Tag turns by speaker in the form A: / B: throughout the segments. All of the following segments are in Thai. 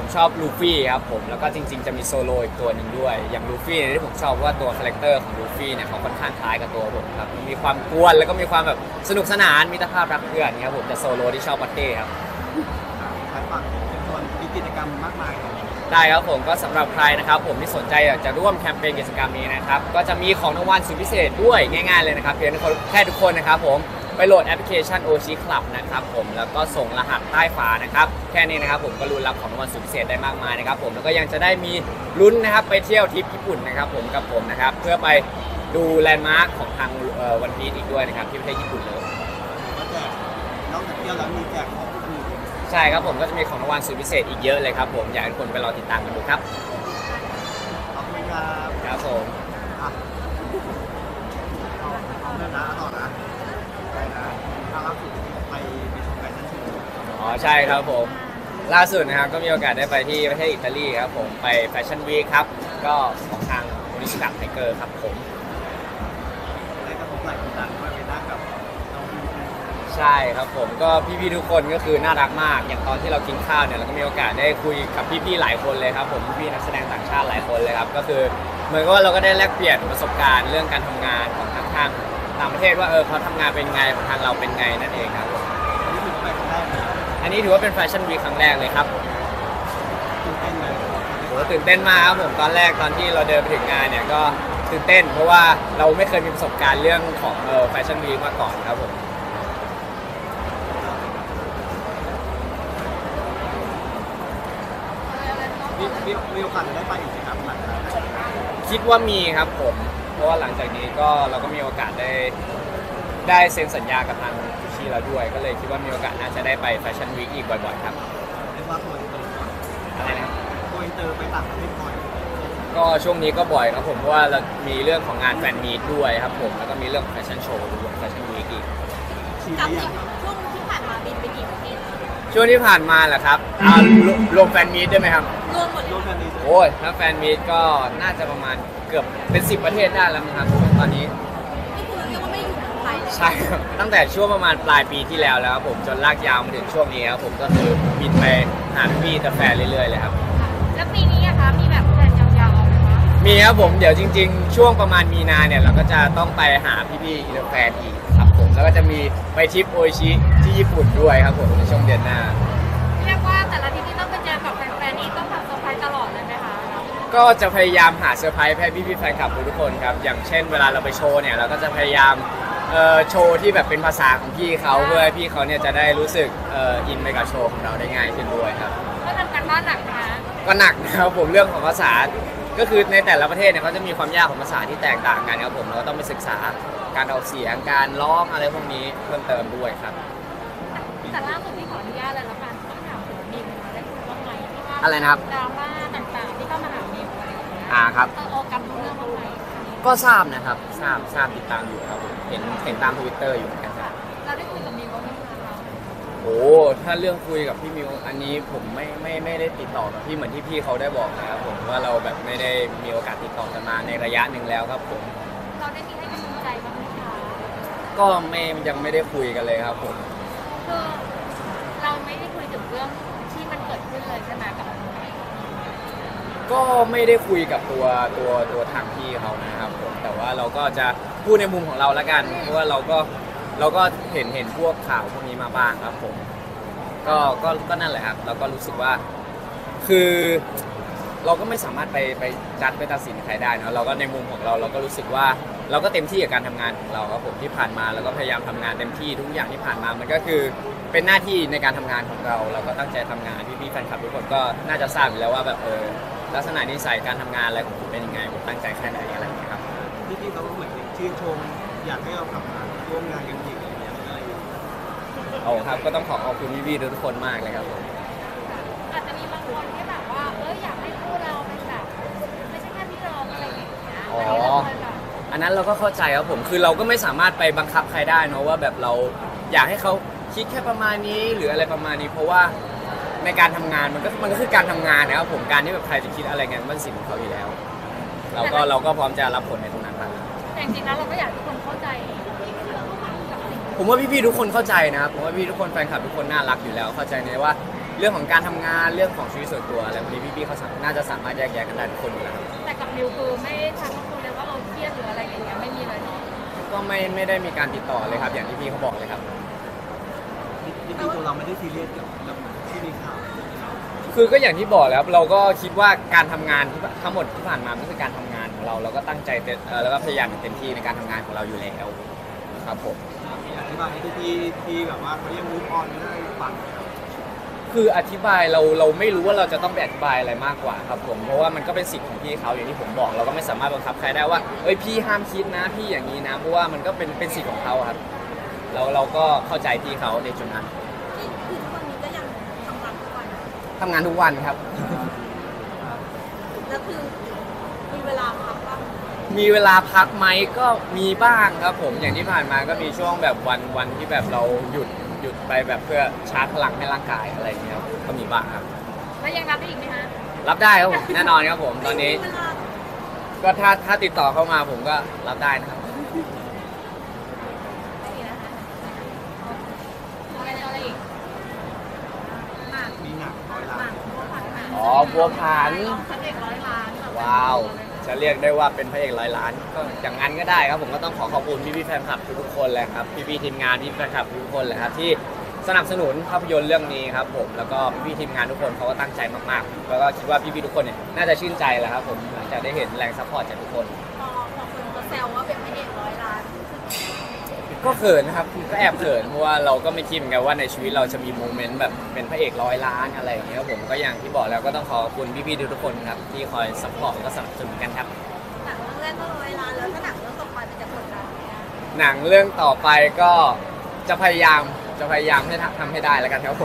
A: ชอบลูฟี่ครับผมแล้วก็จริงๆจะมีโซโลอีกตัวหนึ่งด้วยอย่างลูฟี่เนี่ยที่ผมชอบว่าตัวคาแรคเตอร์ของลูฟี่เนี่ยเขาค่อนข้างคล้ายกับตัวผมครับมีความกวนแล้วก็มีความแบบสนุกสนานมิตรภาพรักเพื่อนครับผมแต่โซโลที่ชอบบัตเต้ครับ
B: ขายฝักเป็นคนมีกิจกรรมมากมายเลย
A: ได้ครับผมก็สำหรับใครนะครับผมที่สนใจอยากจะร่วมแคมเปญกิจกรรมนี้นะครับก็จะมีของรางวัลสุดพิเศษด้วยง่ายๆเลยนะครับเพียงแค่ทุกคนนะครับผมไปโหลดแอปพลิเคชัน Oshi Club นะครับผมแล้วก็ส่งรหัสใต้ฝานะครับแค่นี้นะครับผมก็ลุ้นรับของรางวัลสุดพิเศษได้มากมายนะครับผมแล้วก็ยังจะได้มีลุ้นนะครับไปเที่ยวทริปญี่ปุ่นนะครับผมกับผมนะครับเพื่อไปดูแลนด์มาร์คของทางวันพีซอีกด้วยนะครับที่ประเทศญี่ปุ่นเลย
B: ก็แจกนอกจากเที่ยวแล้วมีแจกของอื่น
A: ใช่ครับผมก็จะมีของรางวัลสุดพิเศษอีกเยอะเลยครับผมอยากให้ทุกคนไปรอติดตามกันดูครับ
B: ขอบคุณครับ
A: ครับผม
B: อ่ะเอาเรื่องนะต่อนะไปนะถ้าล่าสุดไปชมแฟชั่นโชว์
A: อ๋อใช่ครับผมล่าสุดนะครับก็มีโอกาสได้ไปที่ประเทศอิตาลีครับผมไปแฟชั่นวีคครับก็ของทางโอนิสกัไทเกอร์ครับผม
B: ได้กระทบไหล่คนดังด้วยไปนั่งกับน้องพี
A: ใช่ครับผมก็พี่ๆทุกคนก็คือน่ารักมากอย่างตอนที่เรากินข้าวเนี่ยเราก็มีโอกาสได้คุยกับพี่ๆหลายคนเลยครับผมพี่ๆนักแสดงต่างชาติหลายคนเลยครับก็คือเหมือนกับว่าเราก็ได้แลกเปลี่ยนประสบการณ์เรื่องการทำงานของทางต่างประเทศว่าเขาทำงานเป็นไงของทางเราเป็นไงนั่นเองครับผม
B: นี่คือไปครั้งแรกเลย
A: อันนี้ถือว่าเป็นแฟชั่นวีคครั้งแรกเลยครับ
B: ตื่นเต้นเลย
A: โหตื่นเต้นมากครับผมตอนแรกตอนที่เราเดินไปถึงงานเนี่ยก็ตื่นเต้นเพราะว่าเราไม่เคยมีประสบการณ์เรื่องของแฟชั่นวีคมาก่อนครับผม
B: มีโอกาสจะได้ไปอีกไหมครับหลังจากนั้น
A: คิดว่ามีครับผมเพราะว่าหลังจากนี้ก็เราก็มีโอกาสได้เซ็นสัญญากับทางกุชชี่แล้วด้วย ก็เลยคิดว่ามีโอกาสน่าจะได้ไปแฟชั่นวีคอีกบ่อยๆครับ
B: เรียกว่าโกอินเตอร์ก่อน
A: อะไรนะครับ
B: โกอินเตอร์ไปต่างประเทศบ่อย
A: ก็ช่วงนี้ก็บ่อยครับผมเพราะว่าเรามีเรื่องของงานแฟนมีตด้วยครับผมแล้วก็มีเรื่องของแฟชั่นโชว์ด้วยแฟชั่นวีคอีก
B: ชี
C: กับ
B: วิต
C: ช่วงที่ผ่านมาบินไปกี่ประเทศ
A: ช่วงที่ผ่านมาเหรอครับรวมแฟนมีตด้วยไหมครับ
C: รวมหมดเล
B: โล
C: ย
B: กแฟนนี้
A: โอ้ยถ้าแฟนมีตก็น่าจะประมาณเกือบเป็น10ประเทศได้แล้วมั้งครับตอนนี้
C: นี่คือเรียกว่าไม่ได้อยู่เมืองไทยเลย
A: ใช่ครับตั้งแต่ช่วงประมาณปลายปีที่แล้วแล้วครับผมจนลากยาวมาถึงช่วงนี้ครับผมก็คือบินไปหาพี่แต่แฟนเรื่อยๆเลยครับ
C: แล้วปีนี้อะคะมีแบบแผนยาวๆไหมคะ
A: มีครับผมเดี๋ยวจริงๆ ช่วงประมาณมีนาเนี่ยเราก็จะต้องไปหาพี่ๆอินเตอร์แฟนอีกครับผมแล้วก็จะมีไปทริปโออิชิที่ญี่ปุ่นด้วยครับผมในช่วงเดือนหน้า
C: เรียกว่าแต่ละที่ที่ต้องไปเจอกับแฟนๆนี่ต้องทำเซอร์ไพรส์ตลอดเลยไหมคะ
A: ก็จะพยายามหาเซอร์ไพรส์ให้พี่ๆแฟนคลับทุกคนครับอย่างเช่นเวลาเราไปโชว์เนี่ยเราก็จะพยายามโชว์ที่แบบเป็นภาษาของพี่เขาเพื่อให้พี่เขาเนี่ยจะได้รู้สึกอินไปกับโชว์ของเราได้ง่ายขึ้นด้วยครับ
C: ก็ทำการบ้านหนักนะ
A: ก็หนักนะครับผมเรื่องของภาษาก็คือในแต่ละประเทศเนี่ยเขาจะมีความยากของภาษาที่แตกต่างกันครับผมเราก็ต้องไปศึกษาการออกเสียงการร้องอะไรพวกนี้เพิ่มเติมด้วยครับ
C: แต่ล่าสุดที่ขออนุญาตเลยละกันต้องถามถึงบินมาได้คุยบ้างไหมที่ว่า
A: อะไรนะครับ
C: ดราม่าต่างๆที่เข้ามาหาบินอะไรอย่างเงี้ย
A: ครับ
C: โอกำรู้เรื่องบ้างไหม
A: ก็ทราบนะครับทราบติดตามอยู่ครับผมเห็นตามทวิตเตอร์อยู่เหมือนกันครับ
C: เราได้คุยกับบิวบ้างไหมคะ
A: โอ้ถ้าเรื่องคุยกับพี่มิวอันนี้ผมไม่ได้ติดต่อกับพี่เหมือนที่พี่เขาได้บอกนะครับผมว่าเราแบบไม่ได้มีโอกาสติดต่อกันมาในระยะหนึ่งแล้วครับผม
C: เราได้มีให้กำลังใจบ้างไหมคะ
A: ก็ยังไม่ได้คุยกันเลยครับผม
C: คือเราไม่ได้คุยถึงเรื่องที่มันเกิดขึ้นเลยใช่ไหมกับ
A: ก็ไม่ได้คุยกับตัวทางพี่เขานะครับผมแต่ว่าเราก็จะพูดในมุมของเราละกันเพราะว่าเราก็เห็นพวกข่าวพวกนี้มาบ้างครับผมก็นั่นแหละครับเราก็รู้สึกว่าคือเราก็ไม่สามารถไปจัดไปตัดสินใครได้เนอะเราก็ในมุมของเราเราก็รู้สึกว่าเราก็เต็มที่กับการทำงานของเราครับผมที่ผ่านมาเราก็พยายามทำงานเต็มที่ทุกอย่างที่ผ่านมามันก็คือเป็นหน้าที่ในการทำงานของเราเราก็ตั้งใจทำงานพี่ๆแฟนคลับทุกคนก็น่าจะทราบอยู่แล้วว่าแบบลักษณะนิสัยการทำงานอะไรของผมเป็นยังไงผมตั้งใจแค่ไหนอะไรอย่างเงี้ยครับ
B: พี่ๆเขาก็เหมือนชื่นชมอยากให้เรากลับมาร่วมงานกันอีกอะไรอย่างเงี้ยอะไรอย่างเงี้ย
A: โอ้ครับก็ต้องขอบคุณพี่ๆทุกคนมากเลยครับผม
C: อาจจะมีบางคนที่แบบว่าอยากให้คู่เราเป็นแบบไม่ใช่แค่พี่น้องอะไรอย่างเงี้ยแต่ที่เราเคยแบบ
A: อันนั้นเราก็เข้าใจครับผมคือเราก็ไม่สามารถไปบังคับใครได้เนอะว่าแบบเราอยากให้เขาคิดแค่ประมาณนี้หรืออะไรประมาณนี้เพราะว่าในการทำงานมันก็คือการทำงานนะครับผมการที่แบบใครจะคิดอะไรกันมันสิทธิ์ของเขาอยู่แล้ว เราก็พร้อมจะรับผลในตรงนั้นครับ
C: แต่จริงๆแล้วเราก็อยากให้ทุกคนเข้าใจกับสิ่ง
A: ผมว่าพี่ๆทุกคนเข้าใจนะครับผมว่าพี่ทุกคนแฟนคลับทุกคนน่ารักอยู่แล้วเข้าใจในว่าเรื่องของการทำงานเรื่องของชีวิตส่วนตัวอะไรพวกนี้พี่ๆเขาน่าจะสามารถแยกแยะกันได้ทุกคนอยู่แล้วครับ
C: แต่กับนิวคือไม่ทักคุณเลยว่าเราเครียดหรืออะไรอย่างเงี้ยไม่มีเลยเนาะ
A: ก็ไม่ได้มีการติดต่อเลยครับ อย่างที่พี่เขาบอกเลยครับ
B: จริงๆตัวเราไม่ได้ซีเรียสกับที่มีข่าว
A: คือก็อย่างที่บอกแล้วเราก็คิดว่าการทำงานทั้งหมดที่ผ่านมามันคือการทำงานของเราเราก็ตั้งใจแล้วก็พยายามอย่างเต็มที่ในการทำงานของเราอยู่แล้วครับผม
B: อธิบายให้ที่แบบว่าเขาเรียกมูฟออนไม่ได้ฟังครับ
A: คืออธิบายเราไม่รู้ว่าเราจะต้องไปอธิบายอะไรมากกว่าครับผมเพราะว่ามันก็เป็นสิทธิ์ของพี่เขาอย่างที่ผมบอกเราก็ไม่สามารถบังคับใครได้ว่าเอ้ยพี่ห้ามคิดนะพี่อย่างนี้นะเพราะว่ามันก็เป็นสิทธิ์ของเขาครับเราก็เข้าใจพี่เขาในจุดนั้น
C: ที่คือทุกวันนี้ก็ยังทำงานทุกวัน
A: ทำงานทุกวันครับ
C: แล้วคือมีเวลาพักบ้าง
A: มีเวลาพักไหมก็มีบ้างครับผมอย่างที่ผ่านมาก็มีช่วงแบบวันที่แบบเราหยุดไปแบบเพื่อชาร์จพลังให้ร่างกายอะไรอย่างเงี้ยครับก็มีบ้างครับ
C: แล้วยังรับได้อีกไหมคะ
A: รับได้ครับผมแน่นอนครับผมตอนนี้
C: เวลา
A: ก็ถ้าติดต่อเข้ามาผมก็รับได้นะครับ
C: ไม่มีนะคะอะไรอีกหมาก
B: มีหนักร้อย
C: ห
B: ล้าม
C: าน กบัวผันหมาก
A: อ๋อบัวผัน
C: พระเอก100 ล้านแบบ
A: ว้าว จะเรียกได้ว่าเป็นพระเอกร้อยล้านก็อย่างนั้นก็ได้ครับผมก็ต้องขอบคุณพี่ๆแฟนคลับทุกๆคนเลยครับพี่ๆทีมงานพี่แฟนคลับทุกๆคนเลยครับที่สนับสนุนภาพยนตร์เรื่องนี้ครับผมแล้วก็พี่ๆทีมงานทุกคนเขาก็ตั้งใจมากๆแล้วก็คิดว่าพี่ๆทุกคนเนี่ยน่าจะชื่นใจแหละครับผมหลังจากได้เห็นแรงซัพพอร์ตจากทุกคน
C: พอคนเขาแซวว่าเป็นพระเอก100 ล้าน
A: ก็เขินนะครับก็แอบเขินเพราะว่าเราก็ไม่คิดเหมือนกันว่าในชีวิตเราจะมีโมเมนต์แบบเป็นพระเอกร้อยล้านอะไรอย่างเงี้ยครับผมก็อย่างที่บอกแล้วก็ต้องขอบคุณพี่ๆทุกๆคนครับที่คอยซัพพอร์ตแล้วก็สนับสนุนกันครับ
C: หนังเรื่องแรกก็100 ล้านแล้วถ้าหนังเรื่องต่อไปมันจะกดดันไหมอะ
A: หนังเรื่องต่อไปก็จะพยายามให้ทำให้ได้แล้วกันครับผม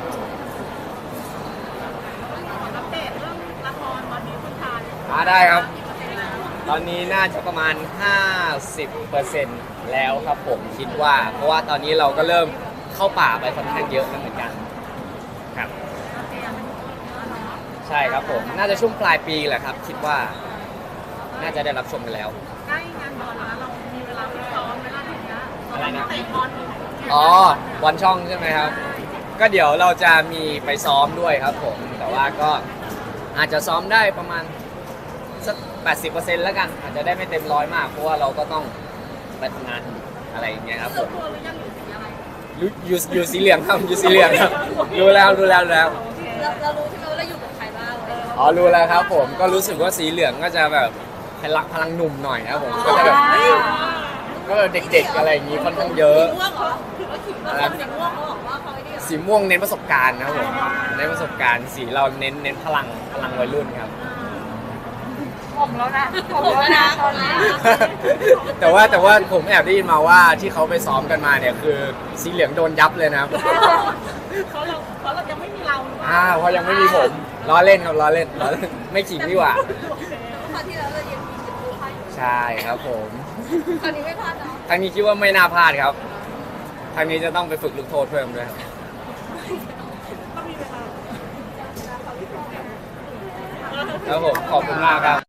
C: อัปเดตเรื่องละครตอนนี้คุณทาน
A: ได้ครับ
C: กี่เปอร์เซ็นต์แล้ว
A: ตอนนี้น่าจะประมาณ 50%แล้วครับผมคิดว่า เพราะว่าตอนนี้เราก็เริ่มเข้าป่าไปค่อนข้างเยอะแล้วเหมือนกันครับ
C: โอเคอ่ะมันเยอะเนาะ
A: ใช่ครับผมน่าจะช่วงปลายปีแหละครับ คิดว่าน่าจะได้รับชมกันแล้ว
C: ใกล้งานบอลแล้วเรามีเวลาไปซ้อมเวลาถึงเนี้ย
A: อะไรนะ
C: เตะบอลอีก
A: อ๋อบอลช่องใช่ไหมครับ ก็เดี๋ยวเราจะมีไปซ้อมด้วยครับผม แต่ว่าก็อาจจะซ้อมได้ประมาณสัก 80%แล้วกัน อาจจะได้ไม่เต็มร้อยมาก เพราะว่าเราก็ต้องไปทำงานอะไรอย่างเงี้ยครับผ
C: เลือก
A: ม
C: ตัวหรือยังอยู่สีอะไร
A: อยู่สีเหลืองครับอยู่สีเหลืองครับรู้แล้ว
C: เรารู้ใช่ไหมว่าเราอยู่กับใครบ้าง
A: อ๋อรู้แล้วครับผมก็รู้สึกว่าสีเหลืองก็จะแบบพลังหนุ่มหน่อยครับผมก็จะแบบก็เด็กๆอะไรอย่างงี้ค่อนข้างเยอะ
C: สีม่วงเหรอว่าสีม่วงสีม่วงเขาบอกว่าเขาไอ้นี่เหรอ
A: สีม่วงเน้นประสบการณ์นะครับผมเน้นประสบการณ์สีเราเน้นพลังวัยรุ่นครับ
C: ผมแล้วนะตอนนี้
A: แต่ว่าผมแอบได้ยินมาว่าที่เขาไปซ้อมกันมาเนี่ยคือสีเหลืองโดนยับเลยนะครับ
C: เพราะเรายังไม่มีเราหรือเปล่า
A: เพราะยังไม่มีผมล้อเล่นครับล้อเล่นไม่ขิงดีกว่า
C: คราวที่แล้วเรายังมีจุดดูให้
A: ใช่ครับผม
C: คราวนี้ไม่พลาดเนาะ
A: ทางนี้คิดว่าไม่น่าพลาดครับทางนี้จะต้องไปฝึกลูกโทษเพิ่มด้วยครับ
C: ต้องมีเวลา
A: ครับผมขอบคุณมากครับ